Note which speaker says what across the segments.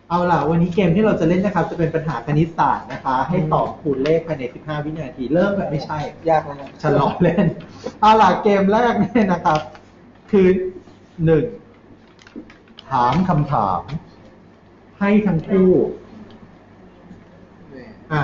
Speaker 1: เอาล่ะวันนี้เกมที่เราจะเล่นนะครับจะเป็นปัญหาคณิตศาสตร์นะคะให้ตอบคูณเลขภายใน15วินาทีเริ่มแบบไม่ใช่
Speaker 2: ยากเลยนะ
Speaker 1: ฉันล้อเล่นเอาล่ะเกมแรกเนี่ยนะครับคือ1ถามคำถามให้ทั้งคู่อ่ะ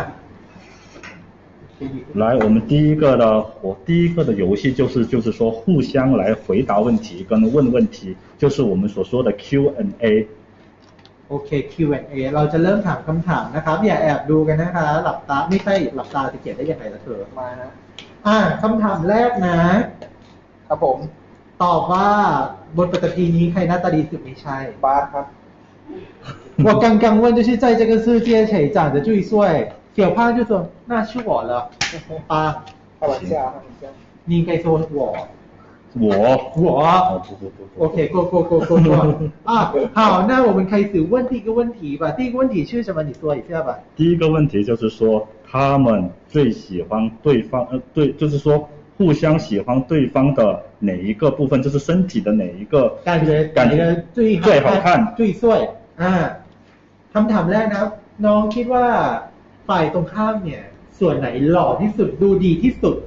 Speaker 3: 来，我们第一个的游戏就是说互相来回答问题跟问问题，就是我们所说的 Q&A。
Speaker 1: โอเค Q&A เราจะเริ่มถามคำถามนะครับอย่าแอบดูกันนะคะหลับตาไม่ใช่หลับตาจะเขียนได้ยังไงล่ะเธอ
Speaker 2: มานะ
Speaker 1: คำถามแรกนะครับ
Speaker 2: ผม
Speaker 1: ตอบว่าบนปฐพีนี้ใครหน้าตาดีสุดไม่ใช่
Speaker 2: บาสครับ
Speaker 1: 我刚刚问就是在这个世界谁长得最帅小胖就说那是我了啊
Speaker 2: 开玩笑开玩笑
Speaker 1: 你应该说我OK go好那我们开始问第一个问题吧第一个问题是什么你说一下吧
Speaker 3: 第一个问题就是说他们最喜欢对方对就是说互相喜欢对方的哪一个部分就是身体的哪一个
Speaker 1: 感觉最
Speaker 3: 好看
Speaker 1: 最帅คำถามแรกนะครับน้องคิดว่าฝ่ายตรงข้ามเนี่ยส่วนไหนหล่อที่สุดดูดีที่สุด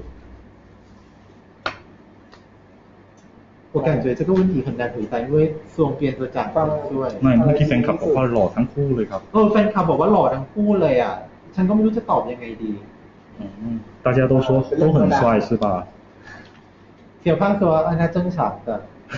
Speaker 1: 我感觉这个问题很难回答因为双边都长得ด้วย
Speaker 3: ไม่เมื่อกี้แฟนคลับบอกว่าหล่อทั้งคู่เลยครับ
Speaker 1: แฟนคลับบอกว่าหล่อทั้งคู่เลยอ่ะฉันก็ไม่รู้จะตอบยังไงดี
Speaker 3: 大家都说都很帅是吧
Speaker 1: 小胖说那正常的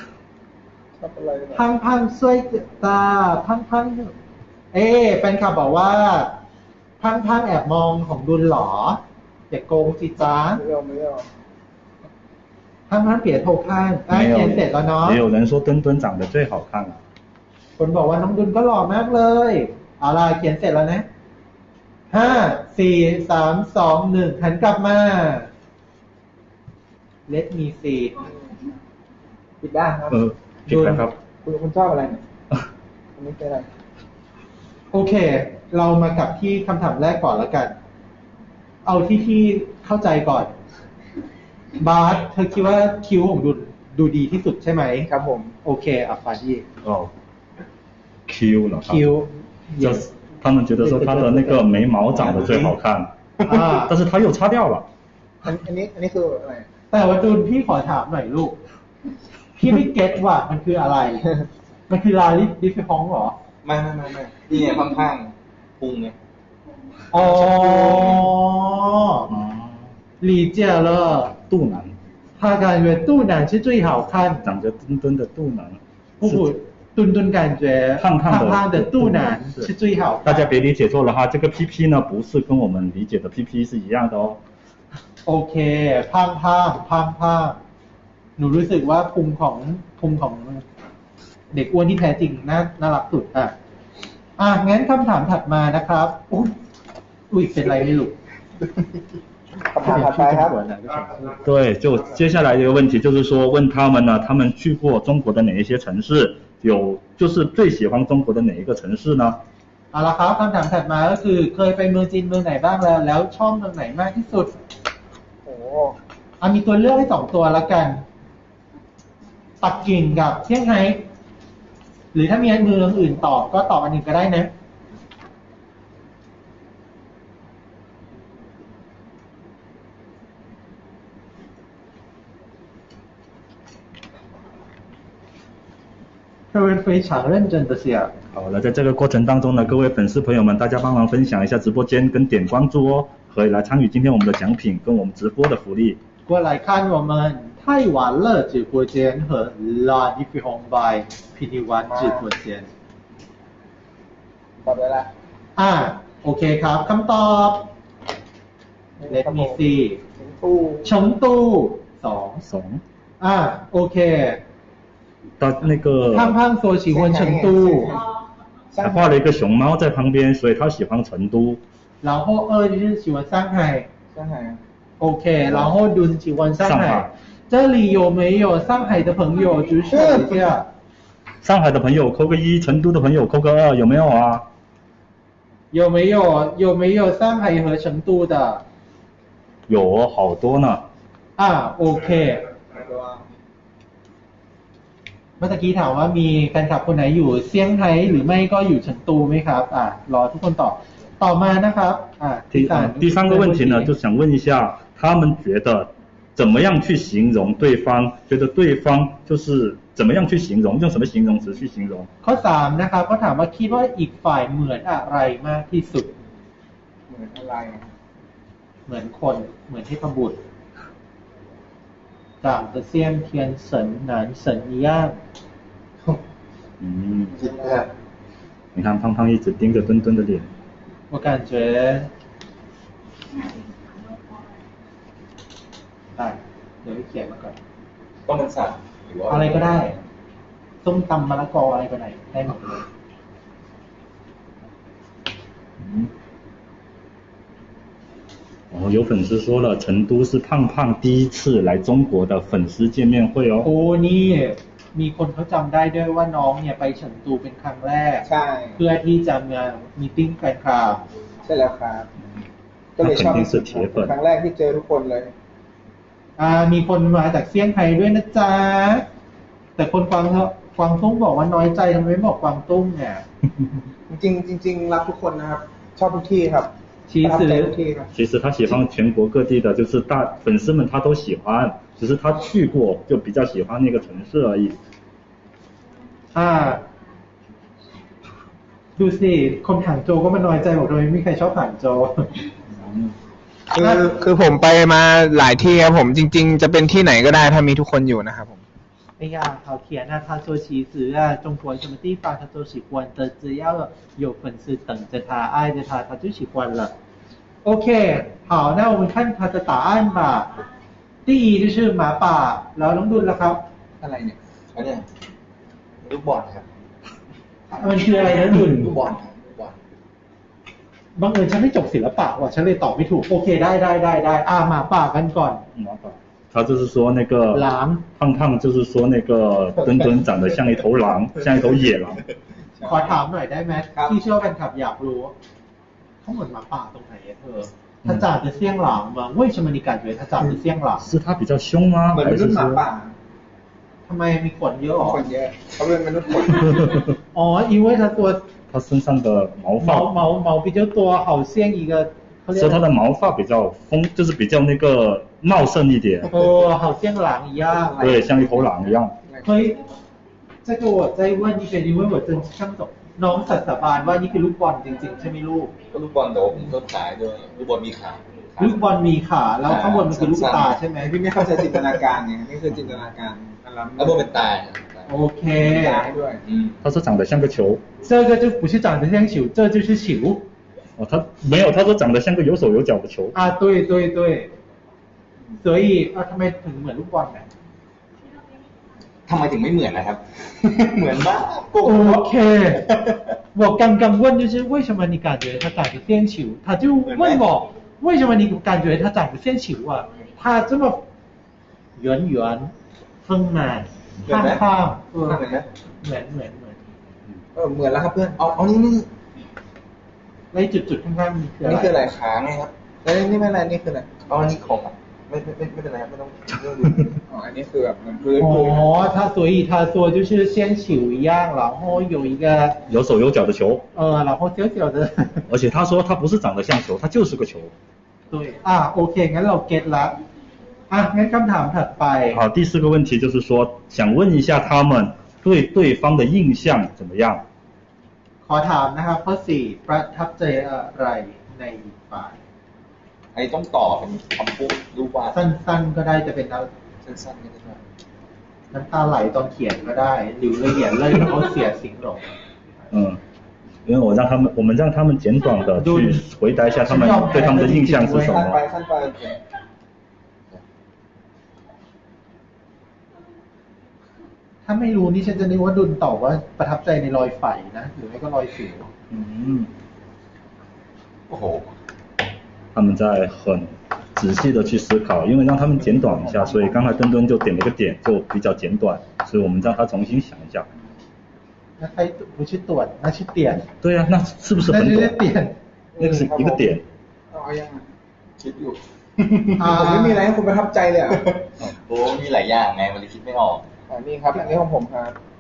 Speaker 1: 胖帅的胖แฟนคลับบอกว่าพังแอบมองของดุลหรออย่าโกงสิจ้า
Speaker 2: ไม่เอา
Speaker 1: พังเปียโทข้างเขียนเสร็จแล้วเนาะ
Speaker 3: 也有人说墩墩长得最好看
Speaker 1: คนบอกว่าน้องดุลก็หล่อมากเลยเอาล่ะเขียนเสร็จแล้วนะ5 4 3 2 1หันกลับมา Let me see
Speaker 2: ปิดได้ครับ
Speaker 3: ปิดแล้วครับ
Speaker 2: คุณชอบอะไรเนี่ยอันนี้เป็นอะไร
Speaker 1: โอเคเรามากลับที่คำถามแรกก่อนแล้วกันเอาที่เข้าใจก่อนบาสเธอคิดว่าคิ้วของดุลดูดีที่สุดใช่ไหม
Speaker 2: ครับผม
Speaker 1: โอเคฟาดี้
Speaker 3: Q 了
Speaker 1: คิ้ว
Speaker 3: 他们觉得说他的那个眉毛长得最好看但是他又擦掉了
Speaker 2: อันนี้คืออะไร
Speaker 1: แต่ว่าดุลพี่ขอถามหน่อยลูกพี่ไม่เก็ตว่ามันคืออะไรมันคือลาลิดิฟิฮองหรอ
Speaker 2: ไม่นี่ไงข้างๆพุงไง
Speaker 1: อ๋อ理解了
Speaker 3: 肚腩
Speaker 1: 他感觉肚腩是最好看
Speaker 3: 长着墩墩的肚腩
Speaker 1: 不墩感觉胖的肚腩是最好看
Speaker 3: 大家别理解错了哈这个 PP 呢不是跟我们理解的 PP 是一样的哦
Speaker 1: โอเคพังหนูรู้สึกว่าพุงของเด็กอ้วนที่แท้จริงน่ารักสุดงั้นคำถามถัดมานะครับอุ้ยเป็นไรไม่รู้
Speaker 2: คำถามถัดไปครับ
Speaker 3: 对就接下来一个问题就是说问他们呢他们去过中国的哪一些城市就是最喜欢中国的哪一个城市呢
Speaker 1: เอาละครับคำถามถัดมาก็คือเคยไปเมืองจีนเมืองไหนบ้างแล้วชอบเมืองไหนมากที่สุดมีตัวเลือกให้2ตัวแล้วกันปักกิ่งกับเซี่ยงไฮ้หรือถ้ามีเมืองอื่นตอบก็ตอบอันหนึ่งก็ได้นะ各位非常认真的写
Speaker 3: 好了在这个过程当中呢各位粉丝朋友们大家帮忙分享一下直播间跟点关注哦可以来参与今天我们的奖品跟我们直播的福利
Speaker 1: 过来看我们太晚了直播间和 La d i f i Hong by PT1 直播间
Speaker 2: ตอบได้แล้ว
Speaker 1: โอเคครับคำตอบ Let me see 成都2โอเค
Speaker 3: 到那个
Speaker 1: 胖说喜欢成都
Speaker 3: 还画了一个熊猫在旁边所以他喜欢成都
Speaker 1: 然后2就是喜欢上海OK然后ดุล喜欢上海这里有没有上海的朋友举手一下
Speaker 3: 上海的朋友扣个1成都的朋友扣个2有没有啊
Speaker 1: 有没有上海和成都的
Speaker 3: 有好多呢
Speaker 1: OK เมื่อกี้ถามว่ามีแฟนคลับคนไหนอยู่เซี่ยงไฮ้หรือไม่ก็อยู่เฉิงตูไหมครับรอทุกคนต่อมานะครับ
Speaker 3: 第三个问题呢，就想问一下，他们觉得怎么样去形容对方？觉得对方就是怎么样去形容？用什么形容词去形容？
Speaker 1: ข้อ3นะครับเขาถามว่าคิดว่าอีกฝ่ายเหมือนอะไรมากที่สุด
Speaker 2: เหมือนอะไร
Speaker 1: เหมือนคนเหมือนเทพบุตร长得像天神男神一样
Speaker 3: 你看胖胖一直盯着墩墩的脸
Speaker 1: 我感觉เดี๋ยวเขียนมาก่อน
Speaker 2: ต้องเป็นสัตว์หรือว่า
Speaker 1: อะไรก็ได้ส้มตำมะละกออะไรก็ได้หมดเลย
Speaker 3: 有粉丝说了，成都是胖胖第一次来中国的粉丝见面会哦。
Speaker 1: โอ้นี่มีคนเขาจำได้ด้วยว่าน้องเนี่ยไปเฉิงตูเป็นครั้งแรก
Speaker 2: ใช่
Speaker 1: เพื่อที่จะมามีติ้งแฟนคลับ
Speaker 2: ใช่แล้วครับก็เลยชอบครั้งแรกที่เจอทุกคนเลย
Speaker 1: มีคนมาจากเซี่ยงไฮ้ด้วยนะจ๊ะแต่คนกวางตุ้งบอกว่าน้อยใจทำไมไม่บอกกวางตุ้งเนี่ย
Speaker 2: จริงรักทุกคนนะครับชอบทุกที่ครับ
Speaker 3: 其实他喜欢全国各地的，就是粉丝们他都喜欢，只是他去过就比较喜欢那个城市而已。
Speaker 1: ดูสิคนหางโจก็มาน้อยใจบอกทำไมไม่มีใครชอบหางโจ
Speaker 2: คือผมไปมาหลายที่ครับผมจริงๆจะเป็นที่ไหนก็ได้ถ้ามีทุกคนอยู่นะครับผม
Speaker 1: 哎呀，好甜啊！他说其实中国什么地方他都喜欢的，只要有粉丝等着他、爱着他，他就喜欢了。OK，好，那我们看他的答案吧。第一就是หมาป่าแล้วน้องดุลล่ะครับ
Speaker 2: อะไรเนี่ยอันนี้ลูกบอลครับ
Speaker 1: มันคืออะไรนะดุล
Speaker 2: ลูกบอล
Speaker 1: บังเอิญฉันไม่จบศิลปะว่ะฉันเลยตอบไม่ถูกโอเคได้หมาป่ากันก่อน
Speaker 3: หมาป่า他就是说那个胖胖，就是说那个墩墩长得像一头狼，像一头野狼。
Speaker 1: ขอถามหน่อยได้ไหมที่เชื่อแฟนคลับอยากรู้เขาเหมือนหมาป่าตรงไหนเธอ他长得像狼吗？为什么你感觉他长得像狼？
Speaker 3: 是他比较凶吗？
Speaker 2: เหมือนมนุษย์หมาป่า
Speaker 1: ทำไมมีขนเยอะหรอ
Speaker 2: ขนเยอะเขาเป็นมนุษย์ขน
Speaker 1: อ๋อ因为他ตัว
Speaker 3: 他身上的
Speaker 1: 毛比较多好像一个
Speaker 3: 说他的毛发比较就是比较那个茂盛一点。
Speaker 1: 好像狼一样。
Speaker 3: 对，像一头狼一样。
Speaker 1: เฮ้ย这个我在问一个因为我真相懂น้องสัตย์บานว่านี่คือลูกบอลจริงๆใช่ไหมลูก
Speaker 2: ก็ลูกบอลแต่ว่าผมก็ขายด้วยลูกบอลมีขา
Speaker 1: ลูกบอลมีขาแล้วข้างบนมันคือลูกตาใช่ไหม
Speaker 2: พี่ไม่เข้าใจจินตนาการไงนี่คือจินตนาการแล้วบนเป็นตา
Speaker 1: โอเค
Speaker 2: ด้วย
Speaker 3: 他说长得像个球
Speaker 1: 这个就不是长得像球这就是球
Speaker 3: 他没有他说长得像个有手有脚的球
Speaker 1: 对所以ทำไมถึงเหมือนลูกบอลเนี่ย
Speaker 2: ทำไมถึงไม่เหมือนนะครับเหมือนมาก
Speaker 1: OK我刚刚问就是为什么你感觉他长得像球他就问我为什么你感觉他长得像球他这么圆丰满胖
Speaker 2: เหมือนไหม
Speaker 1: เหมือน
Speaker 2: เหมือนแล้วครับเพื่อนเอานี่
Speaker 1: ไล่จุดๆข้างๆ
Speaker 2: นี่คืออะไรขาไงครับแล้วนี่ไม่อะไรนี่คืออะไรนี่ของไม่เป็นไรครับไม่ต้องอันนี้คือแบบมันพื้น
Speaker 1: 他所以他说就是像球一样然后有一个
Speaker 3: 有手有脚的球
Speaker 1: 然后小小的
Speaker 3: 而且他说他不是长得像球他就是个球
Speaker 1: 对โอเคงั้นเราเก็ตละงั้นคำถามถัดไป
Speaker 3: 好第四个问题就是说想问一下他们对对方的印象怎么样
Speaker 1: ขอถามนะครับข้อ4ประทับใจอะไรในอีกฝ่าย
Speaker 2: ไอ้ต้องต่อเป็นคำพูดรูปวาด
Speaker 1: สั้นๆก็ได้จะเป็น
Speaker 2: สั้นๆก็ได้
Speaker 1: น้ำตาไหลตอนเขียนก็ได้หรือละเอียดเลยเขาเสียสิ่งหลง
Speaker 3: 因为我们让他们简短的去回答一下他们对他们的印象是什么
Speaker 2: ขั้นไป
Speaker 1: ถ้าไม่รู้นี่ฉันจะนึกว่าดุลตอบว่าประทับใจในรอยไฝนะหรือไม่ก็รอยสิว
Speaker 2: โอ้โห
Speaker 3: 他们在很仔细的去思考因为让他们简短一下所以刚才墩墩就点了一个点就比较简短所以我们让他重新想一下
Speaker 1: 那他不是短那是点
Speaker 3: 对啊那是不是很短那个是一个点
Speaker 2: เอายังคิดอยู่ผมไม่มีอะไรให้คุณประทับใจเลยโอ้มีหลายอย่างไงมันเลยคิดไม่ออกนี่ครับอันนี้ของผมครับ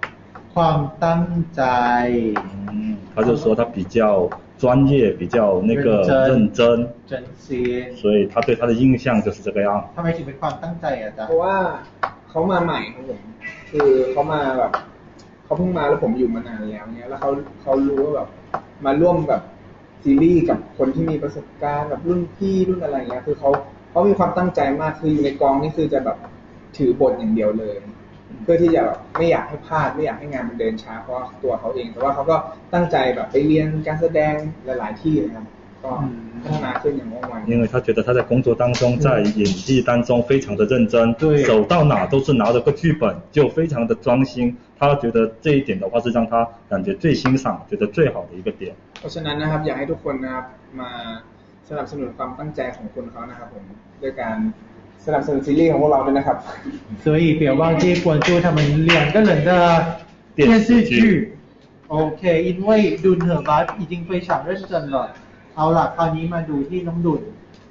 Speaker 1: ความตั้งใจ
Speaker 3: 他就说他比较专业，比较那个认真，
Speaker 1: 真心
Speaker 3: 所以他对他的印象就是这个样。
Speaker 1: ทำไมถึงเป็นความตั้งใจอ่ะจ๊ะ
Speaker 2: เพราะว่าเขามาใหม่ครับผมคือเขามาแบบเขาเพิ่งมาแล้วผมอยู่มานานแล้วเนี่ยแล้วเขารู้ว่าแบบมาร่วมแบบซีรีส์กับคนที่มีประสบการณ์แบบรุ่นพี่รุ่นอะไรเงี้ยคือเขามีความตั้งใจมากคืออยู่ในกองนี่คือจะแบบถือบทอย่างเดียวเลย เพื่อที่จะแบบไม่อยากให้พลาดไม่อยากให้งานมันเดินช้าเพราะตัวเขาเองแต่ว่าเขาก็ตั้งใจแบบไปเรียนการแสดงหลายๆที่นะครับก็พัฒนาขึ้นอย่างว่องไว
Speaker 3: 因为他觉得他在工作当中，在演技当中非常的认真，
Speaker 1: 对
Speaker 3: 走到哪都是拿着个剧本，就非常的专心。他觉得这一点的话是让他感觉最欣赏、觉得最好的一个点。
Speaker 2: เพราะฉะนั้นนะครับอยากให้ทุกคนนะครับมาสนับสนุนความตั้งใจของคนเขานะครับผมด้วยการสนับสนุนซีรีส์ของพวกเราด้วยนะครับ
Speaker 1: 所以别忘记关注他们2个人的电视剧 OK 因为ดุลเหอบัส已经非常认真了เอาล่ะคราวนี้มาดูที่น้องดุล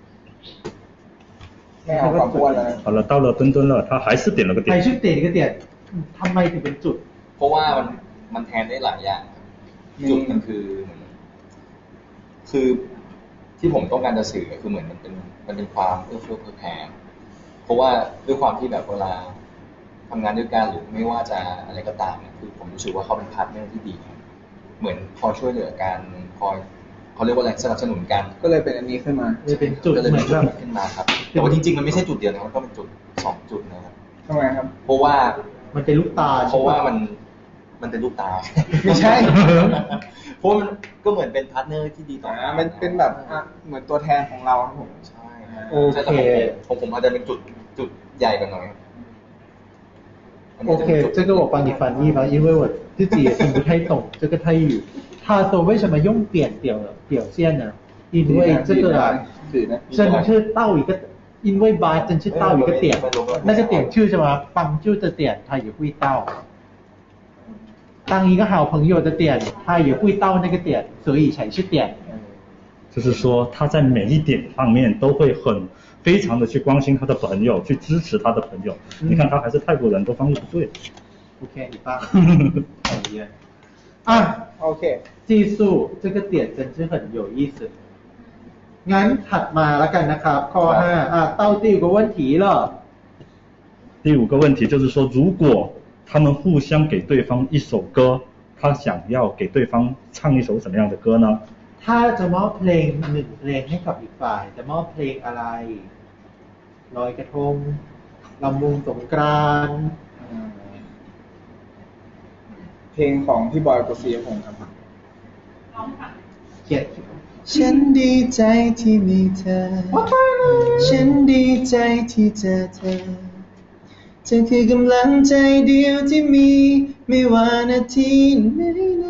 Speaker 2: ไม่เอาความอ้วนเลย
Speaker 3: 好了，到了墩墩了，他还是点了个
Speaker 1: ใคร
Speaker 3: 点。
Speaker 1: ชื่อเต๋ก็เตียนทำไมถึงเป็นจุด
Speaker 4: เพราะว่ามันแทนได้หลายอย่างจุดมันคือเหมือนคือที่ผมต้องการจะสื่อคือเหมือนมันเป็นความเอื้อเฟื้อเผื่อแผ่เพราะว่าด้วยความที่แบบเวลาทำงานด้วยกันหรือไม่ว่าจะอะไรก็ตามเนี่ยคือผมรู้สึกว่าเขาเป็นพาร์ทเนอร์ที่ดีเหมือนคอยช่วยเหลือกันคอยเขาเรียกว่าอะไรสนับสนุนกัน
Speaker 2: ก็เลยเป็นอันนี้ขึ้นมา
Speaker 1: เลยเป็นจุด
Speaker 4: ก็เลย
Speaker 1: เหมื
Speaker 4: เป็
Speaker 1: อน น
Speaker 4: จุ
Speaker 1: แบ
Speaker 4: ด
Speaker 1: บ
Speaker 4: ขึ้นมาครับแต่ว่าจริงๆมันไม่ใช่จุดเดียวนะมันก็เป็นจุด2 จุดนะครับ
Speaker 2: ทำไมครับ
Speaker 4: เพราะว่า
Speaker 1: มันเป็นลูกตา
Speaker 4: เพราะว่ามันเป็นลูกตา
Speaker 2: ไม่ใช่
Speaker 4: เพราะมันก็เหมือนเป็นพาร์ทเนอร์ที่ดีต่อกัน
Speaker 2: มันเป็นแบบเหมือนตัวแทนของเราครับผม
Speaker 4: ใช่
Speaker 1: โอเค
Speaker 4: แต่ผมอาจจะเป็นจุดใหญ่กว่าหน่อย
Speaker 1: OK，这个我帮你翻译吧，因为我自己也听不太懂这个泰语。他说为什么用点表现呢？因为这个啊，真是到一个，因为吧，真是到一个点，那个点就是什么，帮助的点，他也会到。当一个好朋友的点，他也会到那个点，所以才是点。
Speaker 3: 就是说他在每一点方面都会非常的去关心他的朋友，去支持他的朋友。你看他还是泰国人，都翻译不对。
Speaker 1: OK，你棒，讨厌。啊
Speaker 2: OK
Speaker 1: 技术这个点真是很有意思。งั้นถัดมาแล้วกันนะครับข้อ5到第5个问题了。
Speaker 3: 第5个问题就是说，如果他们互相给对方一首歌，他想要给对方唱一首什么样的歌呢？
Speaker 1: ถ้าจะมอบเพลง1เพลงให้กับอีกฝ่ายจะมอบเพลงอะไรลอยกระทงลำวงสงกรานต์
Speaker 2: เพลงของพี่บอยกฤษณพงศ์ครับ
Speaker 1: เขียน
Speaker 2: ฉันดีใจที่มีเธอฉันดีใจที่เจอเธอคือกำลังใจเดียวที่มีไม่ว่านาทีไหน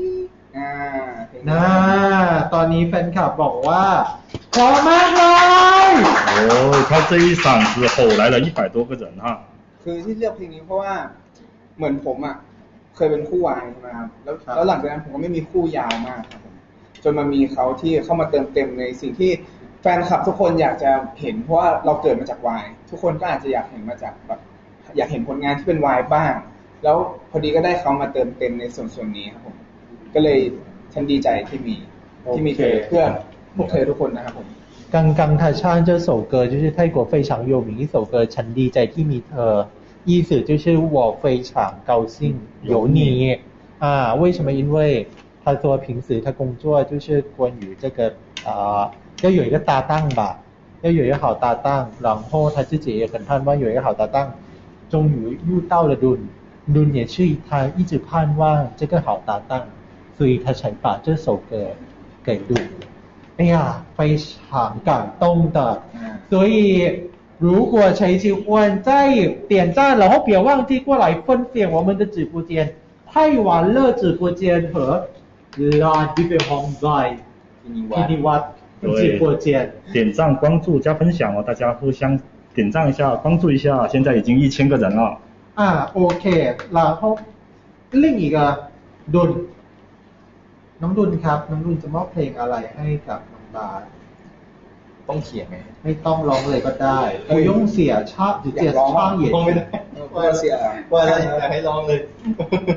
Speaker 1: ตอนนี้แฟนคลับบอกว่าพร้อมมากเลย
Speaker 3: 哦，他这一嗓子吼来了100多个人哈。
Speaker 2: คือที่เลือกเพลงนี้เพราะว่าเหมือนผมอ่ะเคยเป็นคู่วายใช่ไหมครับแล้วหลังจากนั้นผมก็ไม่มีคู่ยาวมากครับผมจนมามีเขาที่เข้ามาเติมเต็มในสิ่งที่แฟนคลับทุกคนอยากจะเห็นเพราะว่าเราเกิดมาจากวายทุกคนก็อาจจะอยากเห็นมาจากแบบอยากเห็นผลงานที่เป็นวายบ้างแล้วพอดีก็ได้เขามาเติมเต็มในส่วนนี้ครับผมก็เลยฉันดีใจที่มีเธอเพื่อพวกเธอทุกคนนะครับผม
Speaker 1: 刚刚他唱这首歌就是泰国非常有名一首歌ฉันดีใจที่มีเธอ意思就是我非常高兴有你为什么因为他说平时他工作就是关于这个要有一个搭档吧要有一个好搭档然后他自己也很盼望有一个好搭档终于遇到了ดุล也是他一直盼望这个好搭档所以他才把这首歌给ดุล哎呀非常感动的所以如果谁喜欢再点赞然后别忘记过来分享我们的直播间太晚乐直播间和ลานที่เป็นห้องใหญ่ที่นิวัฒน์直播间
Speaker 3: 点赞关注加分享哦，大家互相点赞一下关注一下，现在已经1000个人了。
Speaker 1: โอเคแล้ว另一个ดุลน้องดุลครับน้องดุลจะมอบเพลงอะไรให้กับน้องบาส
Speaker 4: ต้องเขียนไหม
Speaker 1: ไม่ต้องร้องเลยก็ได้不用写唱直接唱也
Speaker 4: ร้องไม่ได้ว่าเสียว่าอะไรอยากให้ร้องเลย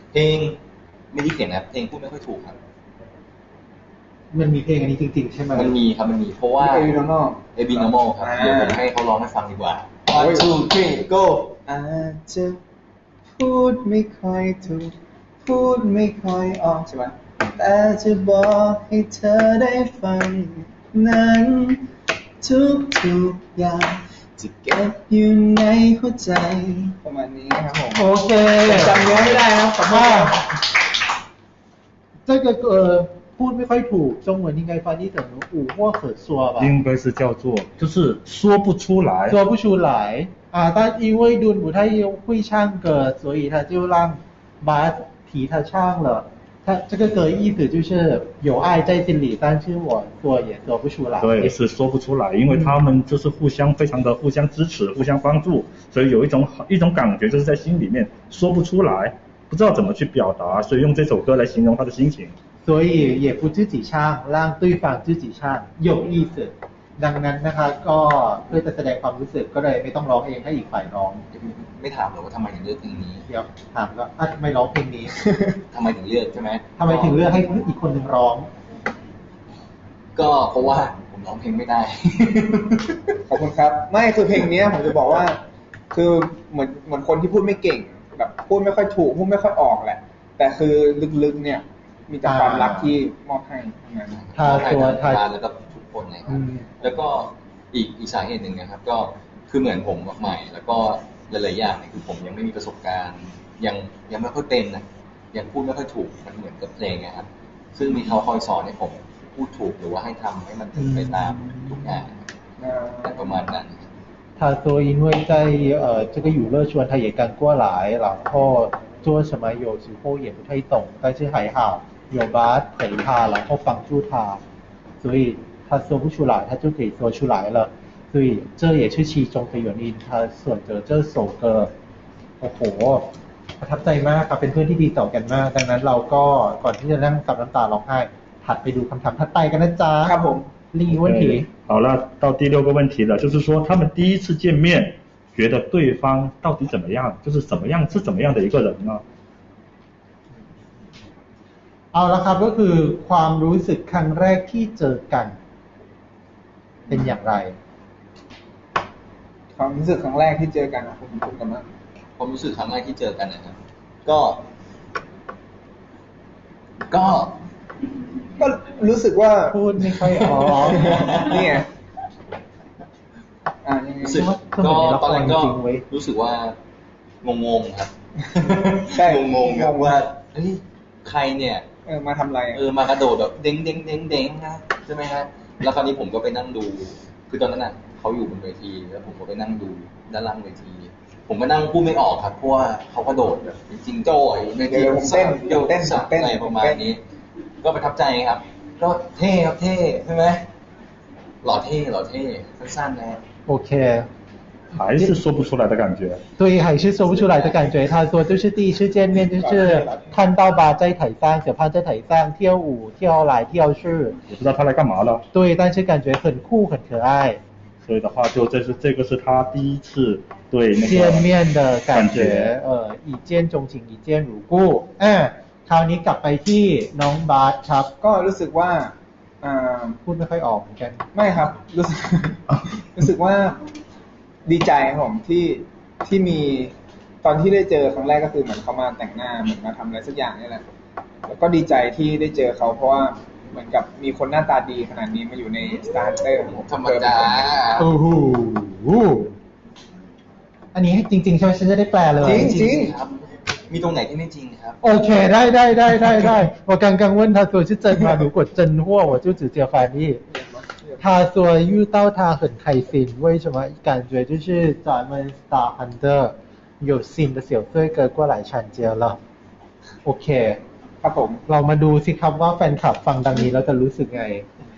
Speaker 4: เพลงไม่ได้เขียนนะครับเพลงพูดไม่ค่อยถูกครับ
Speaker 1: มันมีเพลงอันนี้จริงๆใช่ไหม
Speaker 4: มันมีครับมันมีเพราะว่า
Speaker 2: เอวิโนโน
Speaker 4: เอบิโนโมครับเดี๋ยวผมให้เขาร้องให้ฟังดีกว่า
Speaker 2: One,
Speaker 4: two three go
Speaker 2: อาจจะพูดไม่ค่อยถูกพูดไม่ค่อยออกใช่ไหมแต่จะบอกให้เธอได้ฟังนั้นทุกอย่างจะเก็บอยู่ในหัวใจประมาณนี้ครับผม
Speaker 1: โอเค
Speaker 2: ผมจำเนื้อไม่ได้ครับขอโทษครับ
Speaker 1: 这个พูดไม่ค่อยถูก中文应该翻译成五或可说吧
Speaker 3: 应该是叫做就是说不出来。
Speaker 1: 说不出来啊但因为敦不太会唱歌所以他就让巴替他唱了他这个歌意思就是有爱在心里但是我说也说不出来
Speaker 3: 对，是说不出来，因为他们就是非常的互相支持、互相帮助，所以有一种感觉就是在心里面说不出来，不知道怎么去表达，所以用这首歌来形容他的心情。
Speaker 1: 所以也不自己唱让对方自己唱有意思ดังนั้นนะคะก็เพื่อจะแสดงความรู้สึกก็เลยไม่ต้องร้องเองให้อีกฝ่ายร้อง
Speaker 4: ไม่ถามหรอกว่าทำไมถึงเลือกเพลงนี้
Speaker 1: เดี๋ยวถามก็ทำไมร้องเพลงนี้
Speaker 4: ทำไมถึงเลือกใช่ไหม
Speaker 1: ทำไมถึงเลือกให้อีกคนหนึ่งร้อง
Speaker 4: ก็เพราะว่าผมร้องเพลงไม่ได้
Speaker 2: ขอบคุณครับไม่คือเพลงเนี้ยผมจะบอกว่า คือเหมือนคนที่พูดไม่เก่งแบบพูดไม่ค่อยถูกพูดไม่ค่อยออกแหละ แต่คือลึกๆเนี่ยมีแต่ความรักที่มอบให้ทั้งนั้น
Speaker 1: ทาตัวทา
Speaker 4: แล้วก็ทุกคนเลยค
Speaker 1: อื
Speaker 4: รับ
Speaker 1: ม
Speaker 4: แล้วก็อีกสาเหตุหนึ่งนะครับ ก็คือเหมือนผมใหม่ แล้วก็หลายๆอย่างเนี่ยคือผมยังไม่มีประสบการณ์ ยังไม่ค่อยเป็นนะยังพูดไม่ค่อยถูกมันเหมือนกับเพลงนะครับ ซึ่งมีเขาคอยสอนให้ผมพูดถูกหรือว่าให้ทำให้มันถึงไปตามทุกอย่างแต่ประมาณนั้น
Speaker 1: 他说因为在这个娱乐圈他也刚过来然后做什么有时候也不太懂但是还好有巴陪他然后帮助他所以他说不出来他就可以说出来了所以这也是其中的原因他选择这首歌โอ้โหประทับใจมากครับเป็นเพื่อนที่ดีต่อกันมากดังนั้นเราก็ก่อนที่จะนั่งซับน้ำตาร้องไห้ถัดไปดูคำถามถัดไปกันนะจ๊ะ
Speaker 2: ครับผม
Speaker 1: 另一个问题
Speaker 3: 好了，到第6个问题了，就是说他们第一次见面，觉得对方到底怎么样，就是怎么样是怎么样的一个人呢？
Speaker 1: เอาละครับก็คือความรู้สึกครั้งแรกที่เจอกัน เป็นอย่างไร
Speaker 2: ความรู้สึกครั้งแรกที่เจอกันคุณกันมาก
Speaker 4: ความรู้สึกครั้งแรกที่เจอกันนะครับ ก็
Speaker 2: ก็รู้สึกว่า
Speaker 1: พูดไม่ค่อยออก
Speaker 2: นี่ไงยังไง
Speaker 4: รู้สึก
Speaker 1: ก็
Speaker 4: ก็
Speaker 1: เหมือนในละคร
Speaker 4: ตอนแรกก็
Speaker 1: จริงๆเว้ย
Speaker 4: รู้สึกว่างงๆครับ
Speaker 2: ใช่
Speaker 4: งงๆครับว่าเฮ้ยใครเนี่ย
Speaker 2: มาทำอะไร
Speaker 4: มากระโดดแบบเด้งเด้งเด้งเด้งนะใช่ไหมฮะแล้วคราวนี้ผมก็ไปนั่งดู คือตอนนั้นน่ะเขาอยู่บนเวทีแล้วผมก็ไปนั่งดูด้านล่างเวที ผมก็นั่งพูดไม่ออกครับเพราะว่าเขากระโดดแบบจริงๆโจ้ยในทีเต้นอะไรประมาณนี้ ก็ประทับใจครับ ก็เท่ครับเท่ใช่ไหมหล่อเท่สั้นๆนะ
Speaker 1: โอเค
Speaker 3: 还是说不出来的感觉。
Speaker 1: 对，还是说不出来的感觉。他说就是第一次见面，就是看到吧在台上，小胖在台上跳舞，跳来跳去，
Speaker 3: 也不知道他来干嘛了。
Speaker 1: 对，但是感觉很酷很可爱。
Speaker 3: 所以的话，就这个是他第一次对那个
Speaker 1: 见面的感觉，一见钟情，一见如故。คราวนี้กลับไปที่น้องบาสครับ
Speaker 2: ก็รู้สึกว่า
Speaker 1: พูดไม่ค่อยออกเหมือนกัน
Speaker 2: ไม่ครับ รู้สึกว่าดีใจครับผมที่มีตอนที่ได้เจอครั้งแรกก็คือเหมือนเขามาแต่งหน้าเหมือนมาทำอะไรสักอย่างนี่แหละแล้วก็ดีใจที่ได้เจอเขาเพราะว่าเหมือนกับมีคนหน้าตาดีขนาดนี้มาอยู่ใน Star Hunter ของผม
Speaker 4: ธรรมดา
Speaker 1: โอ้โหอันนี้จริงๆใช่ไหมฉันจะได้แปลเลย
Speaker 2: จริง
Speaker 4: ครับมีตรงไหนที่ไม่จริงครับ
Speaker 1: โอเคได้我刚刚问他说是真吗如果真货我就直接翻译他说遇到他很开心为什么感觉就是咱们 Star Hunter 有新的小帅哥过来参加了โอเค
Speaker 2: ครับผม
Speaker 1: เรามาดูสิครับว่าแฟนคลับฟังดังนี้แล้วจะรู้สึกไง